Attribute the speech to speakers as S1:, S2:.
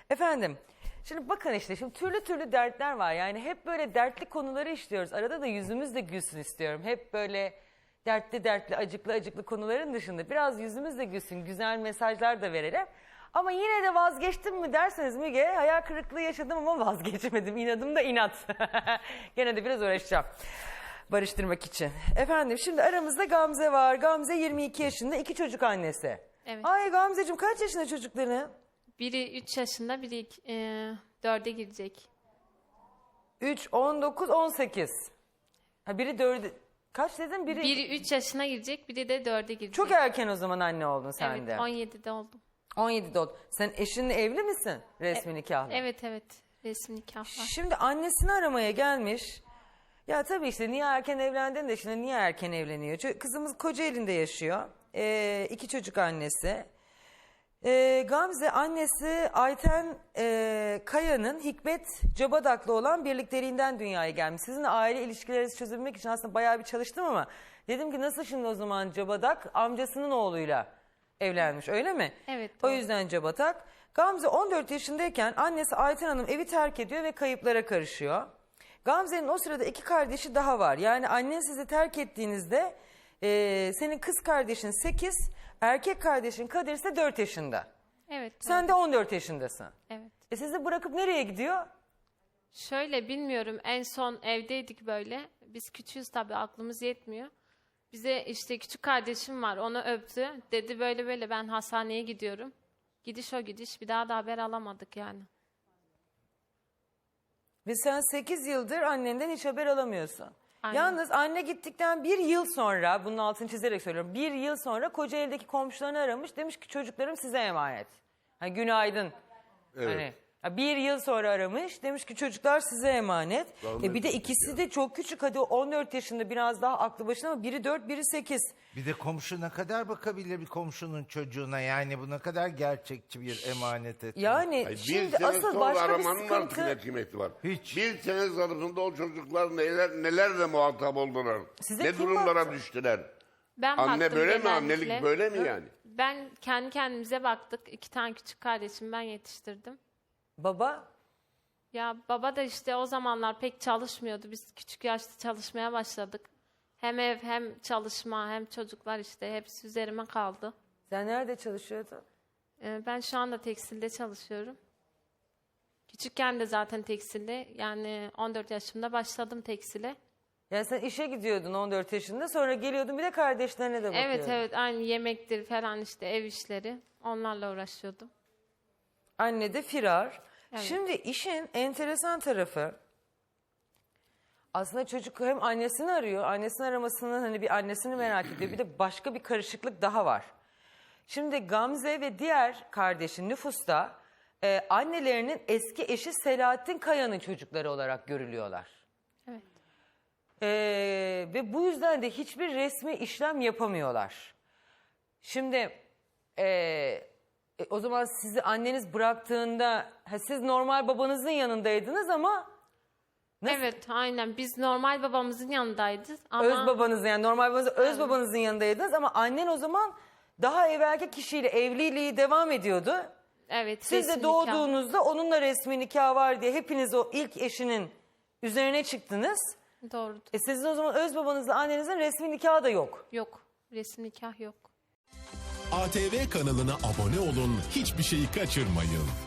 S1: Efendim, şimdi bakın işte şimdi türlü türlü dertler var. Yani hep böyle dertli konuları işliyoruz. Arada da yüzümüz de gülsün istiyorum. Hep böyle dertli dertli, acıklı acıklı konuların dışında biraz yüzümüz de gülsün, güzel mesajlar da verelim. Ama yine de vazgeçtim mi derseniz Müge, hayal kırıklığı yaşadım ama vazgeçmedim. İnadım da inat. Gene de biraz uğraşacağım barıştırmak için. Efendim şimdi aramızda Gamze var. Gamze 22 yaşında, 2 çocuk annesi.
S2: Evet.
S1: Ay Gamzeciğim kaç yaşında çocukların?
S2: Biri 3 yaşında, biri 4'e girecek.
S1: 3, 19, 18. Ha biri 4, kaç dedin?
S2: Biri 3 yaşına girecek, biri de 4'e girecek.
S1: Çok erken o zaman anne oldun sen
S2: Evet,
S1: de.
S2: 17'de oldum.
S1: 17'de oldun. Sen eşinle evli misin? Resmi nikahlı.
S2: Evet, resmi nikah var.
S1: Şimdi annesini aramaya gelmiş. Ya tabii işte niye erken evlendin de şimdi niye erken evleniyor? Çünkü kızımız Kocaeli'nde yaşıyor. 2 çocuk annesi. Gamze annesi Ayten Kaya'nın Hikmet Cabadak'la olan birlikteliğinden dünyaya gelmiş. Sizin aile ilişkilerinizi çözebilmek için aslında bayağı bir çalıştım ama dedim ki nasıl şimdi o zaman Cabadak amcasının oğluyla evlenmiş öyle mi?
S2: Evet,
S1: O
S2: doğru.
S1: yüzden Cabadak. Gamze 14 yaşındayken annesi Ayten Hanım evi terk ediyor ve kayıplara karışıyor. Gamze'nin o sırada 2 kardeşi daha var. Yani annen sizi terk ettiğinizde senin kız kardeşin 8, erkek kardeşin Kadir ise 4 yaşında.
S2: Evet.
S1: Sen de 14 yaşındasın.
S2: Evet.
S1: Sizi bırakıp nereye gidiyor?
S2: Şöyle bilmiyorum, en son evdeydik böyle. Biz küçüğüz tabii, aklımız yetmiyor. Bize işte küçük kardeşim var, onu öptü. Dedi böyle böyle ben hastaneye gidiyorum. Gidiş o gidiş, bir daha da haber alamadık yani.
S1: Ve sen 8 yıldır annenden hiç haber alamıyorsun.
S2: Aynen.
S1: Yalnız anne gittikten 1 yıl sonra, bunun altını çizerek söylüyorum. 1 yıl sonra Kocaeli'deki komşularını aramış. Demiş ki çocuklarım size emanet. Ha, günaydın.
S3: Evet.
S1: Hani, 1 yıl sonra aramış. Demiş ki çocuklar size emanet. Bir de ikisi de çok küçük. Hadi 14 yaşında biraz daha aklı başında ama biri 4, biri 8.
S3: Bir de komşu ne kadar bakabilir bir komşunun çocuğuna, yani bu ne kadar gerçekçi bir emanet etme.
S1: Yani
S4: Ay,
S1: şimdi
S4: bir sene
S1: asıl
S4: sonra
S1: başka bir
S4: aramanın artık
S1: sıkıntı.
S4: ne kıymeti var?
S3: Hiç.
S4: Bir sene zarfında o çocuklar nelerle muhatap oldular?
S1: Size
S4: ne
S1: kim
S4: durumlara
S1: baktı?
S4: düştüler?
S2: Ben
S4: Anne
S2: baktım
S4: böyle mi?
S2: genellikle.
S4: Annelik böyle mi yani?
S2: Ben kendi kendimize baktık. 2 tane küçük kardeşim ben yetiştirdim.
S1: Baba
S2: Ya baba da işte o zamanlar pek çalışmıyordu. Biz küçük yaşta çalışmaya başladık. Hem ev hem çalışma hem çocuklar işte hepsi üzerime kaldı.
S1: sen nerede çalışıyordun?
S2: Ben şu anda tekstilde çalışıyorum. Küçükken de zaten tekstilde, yani 14 yaşımda başladım tekstile.
S1: Yani sen işe gidiyordun 14 yaşında sonra geliyordun bir de kardeşlerine de bakıyordun.
S2: Evet, aynı yemektir falan işte ev işleri, onlarla uğraşıyordum.
S1: Anne de firar.
S2: Evet.
S1: Şimdi işin enteresan tarafı aslında çocuk hem annesini arıyor. Annesini aramasının hani bir annesini merak ediyor. Bir de başka bir karışıklık daha var. Şimdi Gamze ve diğer kardeşin nüfusta annelerinin eski eşi Selahattin Kaya'nın çocukları olarak görülüyorlar.
S2: Evet.
S1: Ve bu yüzden de hiçbir resmi işlem yapamıyorlar. Şimdi o zaman sizi anneniz bıraktığında siz normal babanızın yanındaydınız ama nasıl?
S2: Evet, aynen biz normal babamızın yanındaydık ama
S1: Öz babanızın yani normal babanızın öz babanızın yanındaydınız ama annen o zaman daha evvelki kişiyle evliliği devam ediyordu.
S2: evet,
S1: Siz
S2: resmi
S1: de
S2: nikah.
S1: doğduğunuzda onunla resmi nikah var diye hepiniz o ilk eşinin üzerine çıktınız.
S2: Doğrudur.
S1: Sizin o zaman öz babanızla annenizin resmi nikahı da yok.
S2: Yok, resmi nikah yok.
S5: ATV kanalına abone olun, hiçbir şeyi kaçırmayın.